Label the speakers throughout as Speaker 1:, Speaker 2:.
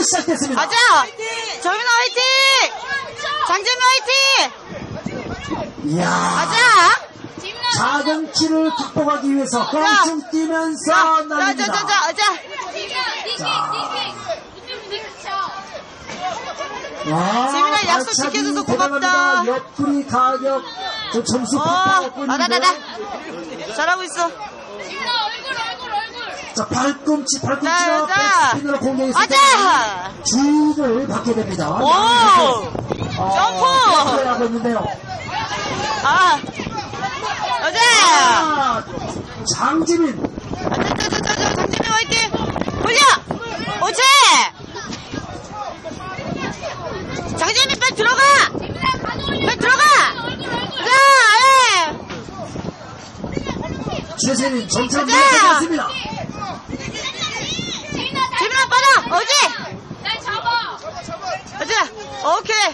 Speaker 1: 시작됐습니다.
Speaker 2: 가자! 정민아 화이팅! 장재민 화이팅!
Speaker 1: 이야.
Speaker 2: 가자!
Speaker 1: 자경치를 극복하기 위해서 껑충 뛰면서 날립니다. 와,
Speaker 2: 재민아 약속
Speaker 1: 발차기
Speaker 2: 지켜줘서 고맙다.
Speaker 1: 대단합니다. 옆구리 가격 저 점수 팍팍
Speaker 2: 나다. 잘하고 있어.
Speaker 1: 자, 발꿈치로
Speaker 2: 자.
Speaker 1: 백스핀으로 공격했을 때
Speaker 2: 가자!
Speaker 1: 주의를 받게 됩니다.
Speaker 2: 오! 점프!
Speaker 1: 하고 있는데요.
Speaker 2: 가자!
Speaker 1: 장지민.
Speaker 2: 장재민 화이팅! 올려! 오지! 장재민 빨리 들어가! 빨리 들어가!
Speaker 1: 최세민 점점
Speaker 2: 가자!
Speaker 1: 내려가겠습니다.
Speaker 2: 재민아 빨아! 어지!
Speaker 3: 날 잡아.
Speaker 2: 가자! 오케이!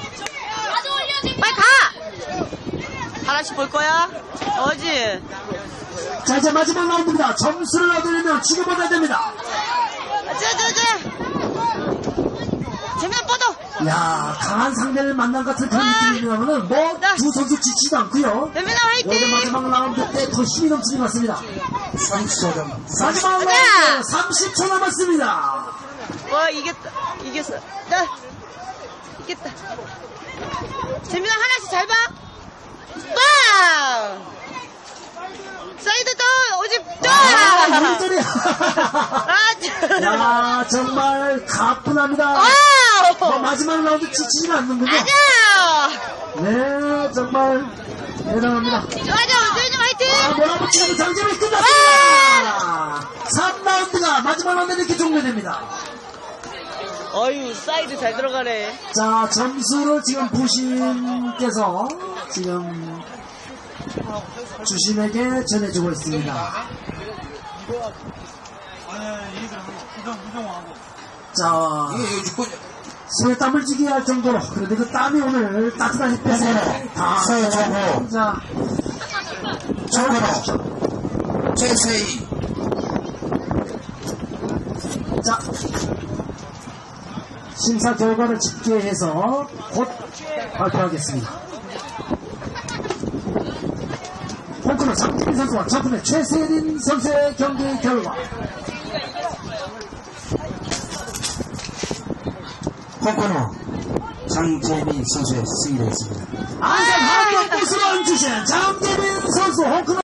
Speaker 2: 빨리 가! 하나씩 볼 거야? 어지!
Speaker 1: 자, 이제 마지막 라운드입니다. 점수를 얻으려면 지금 얻어야 됩니다.
Speaker 2: 가자! 재민아 뻗어!
Speaker 1: 야, 강한 상대를 만난 것 같은 그런 느낌이라면은 뭐 두 선수 지치지도 않고요.
Speaker 2: 재민아
Speaker 1: 여기
Speaker 2: 화이팅!
Speaker 1: 마지막 라운드 때 더 힘이 넘치는 것 같습니다. 30초 마지막
Speaker 2: 가자!
Speaker 1: 라운드 30초 남았습니다.
Speaker 2: 와 이겼다. 이겼어. 이겼다. 재민아 하나씩 잘 봐. 빵! 사이드 또 오집 또!
Speaker 1: 야, 정말 가뿐합니다. 마지막 라운드 지치지는 않는군요.
Speaker 2: 맞아!
Speaker 1: 네, 정말 대단합니다.
Speaker 2: 맞아, 재민이 화이팅!
Speaker 1: 몰아붙이는 장점이 끝났습니다. 3라운드가 마지막 라운드 이렇게 종료됩니다.
Speaker 2: 어휴, 사이드 잘 들어가네.
Speaker 1: 자, 점수를 지금 부신께서 지금 주심에게 전해주고 있습니다. 자, 손에 땀을 쥐게 할 정도로, 그런데 그 땀이 오늘 따뜻하게 빼서 다, 자,
Speaker 4: 정근호, 최세희.
Speaker 1: 자, 심사 결과를 집계해서 곧 발표하겠습니다. 홍콩의 장재민 선수와 저분의 최세린 선수의 경기 결과.
Speaker 4: 홍건호, 장재민 선수의 승리를 했습니다.
Speaker 1: 안산 한국부스를 주신 장재민 선수 홍콩